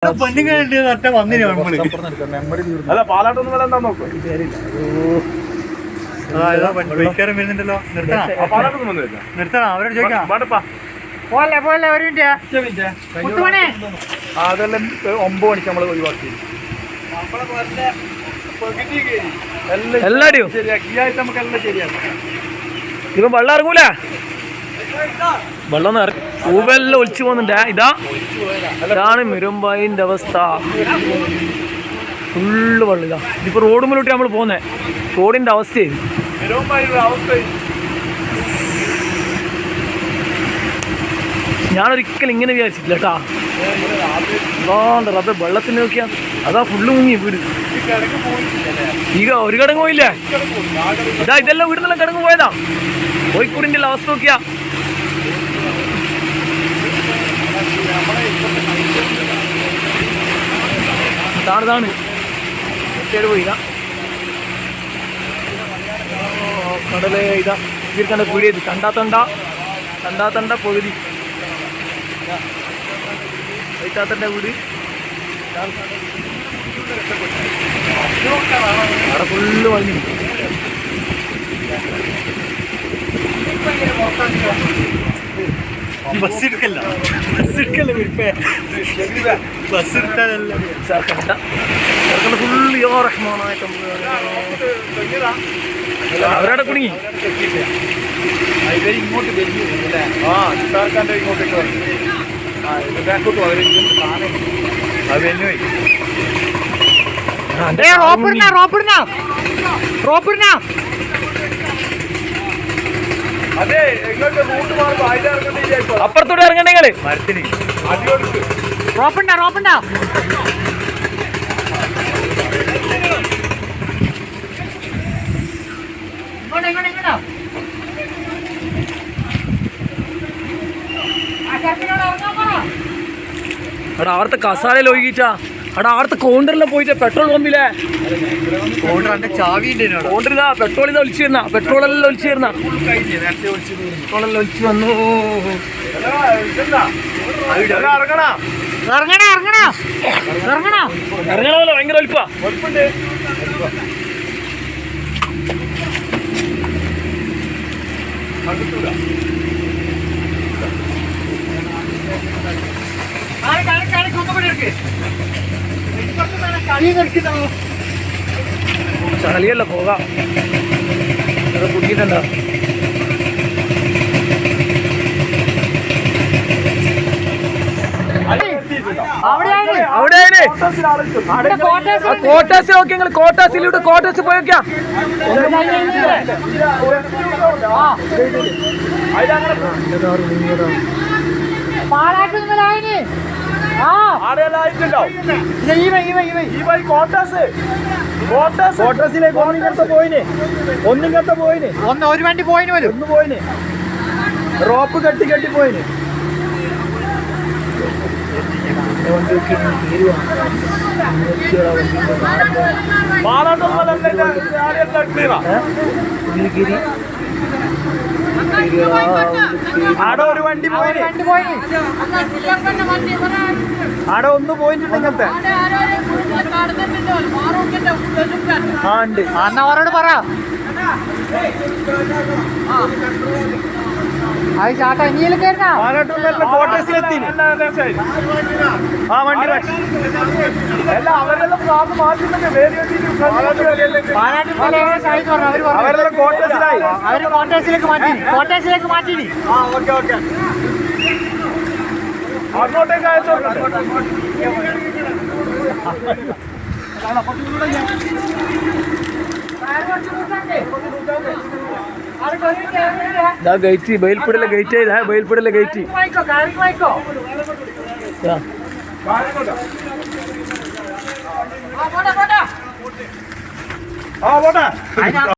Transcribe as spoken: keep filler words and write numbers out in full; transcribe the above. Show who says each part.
Speaker 1: പെണ്ണുങ്ങളുണ്ട് വന്നില്ല
Speaker 2: അല്ല പാലാട്ടൊന്നും വില എന്താ നോക്കോ
Speaker 1: വരുന്നുണ്ടല്ലോ നിർത്തണം അവരോട് ചോദിക്കാം പോലെ പോലെ ഒരു മിനിറ്റ്
Speaker 2: അതെല്ലാം ഒമ്പത് മണിക്ക് നമ്മൾ ഒഴിവാക്കി
Speaker 3: എല്ലാരും
Speaker 2: ശരിയാക്കി ഈ ആഴ്ച നമുക്ക് എല്ലാം ശരിയാക്കി
Speaker 3: ഇപ്പൊ വെള്ളം ഇറങ്ങൂല വെള്ളം ഊവെല്ലാം ഒളിച്ചു പോകുന്നുണ്ട് ഇതാ ഇതാണ് മിരുമ്പായിന്റെ അവസ്ഥ ഫുള്ള് വെള്ളം ഇതാ ഇതിപ്പോ റോഡ് മുന്നോട്ട് നമ്മൾ പോകുന്നേ റോഡിന്റെ അവസ്ഥയായി ഞാനൊരിക്കലും ഇങ്ങനെ വിചാരിച്ചിട്ടില്ല കേട്ടാ അതാണ്ട് റബ്ബെ വെള്ളത്തിന് നോക്കിയാ അതാ ഫുള്ള് മുങ്ങി വീട് ಈಗ ഒരു കടങ്ങ് പോയില്ലേ ഇതാ ഇതെല്ലാം വീടുന്നെല്ലാം കടങ്ങ് പോയതാ കോഴിക്കോടിന്റെ അവസ്ഥ നോക്കിയാ ഇതാണ് ഇതാണ് പോയില്ല കടല് ഇതാ ഇവർക്കണ്ട പീടിയത് കണ്ടാത്തണ്ട കണ്ടാത്തണ്ട പകുതി വൈറ്റാത്തന്റെ വീട് അവിടെ ഫുള്ള് വഴി
Speaker 1: ബസ് എടുക്കല്ല ബസ് എടുക്കല്ല ബസ് എടുത്താലല്ല
Speaker 3: ഫുള്ള് യോ റഹ്മാനായിട്ട് അവരവിടെ കുടുങ്ങി
Speaker 2: ഇങ്ങോട്ട് വരുന്നു ആ സർക്കാരിന്റെ ഇങ്ങോട്ടേക്ക് വന്നു ആ ബാക്കോട്ട് അത് തന്നെ അതെ എങ്ങോട്ട് റൂട്ട് മാറുമ്പോ അതിൽ ഇറങ്ങണ്ടില്ല
Speaker 3: അപ്പുറത്തോട്ട് ഇറങ്ങണ്ട നിങ്ങള്
Speaker 1: മരത്തിന്
Speaker 2: അടിയോടുക്ക്
Speaker 1: റോപ്പുണ്ടാ റോപ്പുണ്ടാ
Speaker 3: അവിടെ അവിടുത്തെ കസാലയിൽ ഒഴുകിച്ചാ അവിടെ അവിടുത്തെ കൗണ്ടറിലെ പോയിട്ട് പെട്രോൾ പമ്പിലെ
Speaker 1: ചാവി
Speaker 3: കൗണ്ടറിതാ പെട്രോൾ ഇതാ ഒലിച്ചു വരുന്ന പെട്രോളെല്ലാം ഒലിച്ചു വരുന്ന പെട്രോളെല്ലാം ഒലിച്ചു വന്നു
Speaker 2: ഇറങ്ങണ
Speaker 1: ഇറങ്ങണ ഇറങ്ങണ ഇറങ്ങണ
Speaker 3: ഇറങ്ങണമല്ലോ ഭയങ്കര ഒലിപ്പാ
Speaker 2: ഒളിപ്പുണ്ട്
Speaker 3: ചളിയല്ല പോകാം അത് കുടിക്കുന്നുണ്ടോ അവിടെ കോട്ടാസ് നോക്കി നിങ്ങൾ കോട്ടാസിലൂടെ കോട്ടാസ് പോയൊക്കെയാ
Speaker 2: കോട്ടസിലേക്ക് ഒന്നിങ്ങനത്തെ പോയിന് ഒന്നിങ്ങനത്തെ പോയിന്
Speaker 1: ഒന്ന് ഒരു വണ്ടി പോയിന് പോലും
Speaker 2: ഒന്ന് പോയിന് റോപ്പ് കെട്ടി കെട്ടി പോയിന് ആടെ ഒരു വണ്ടി പോയിന് ആടെ ഒന്ന് പോയിട്ടുണ്ട് ഇങ്ങനത്തെ ആ ഉണ്ട്
Speaker 1: അന്നവരോട് പറ അത് ചാട്ടാ ഇനിയിൽ കയറുന്ന
Speaker 2: കോട്ടേഴ്സിലെത്തി ആ വണ്ടി അല്ല അവരെല്ലാം ഭാഗം മാറ്റുന്നുണ്ട് അവരെല്ലാം കോട്ടേഴ്സിലായി
Speaker 1: അവര് കോട്ടേഴ്സിലേക്ക് മാറ്റി കോട്ടേഴ്സിലേക്ക് മാറ്റി
Speaker 2: ആ ഓക്കെ ഓക്കെ അങ്ങോട്ടേക്ക് അയച്ചോട്ടെ
Speaker 3: ഗേറ്റ് ബയൽപ്പുടിലെ ഗേറ്റ് ചെയ്താ ബയൽപ്പുടിലെ ഗേറ്റ്
Speaker 2: ആ പോട്ടെ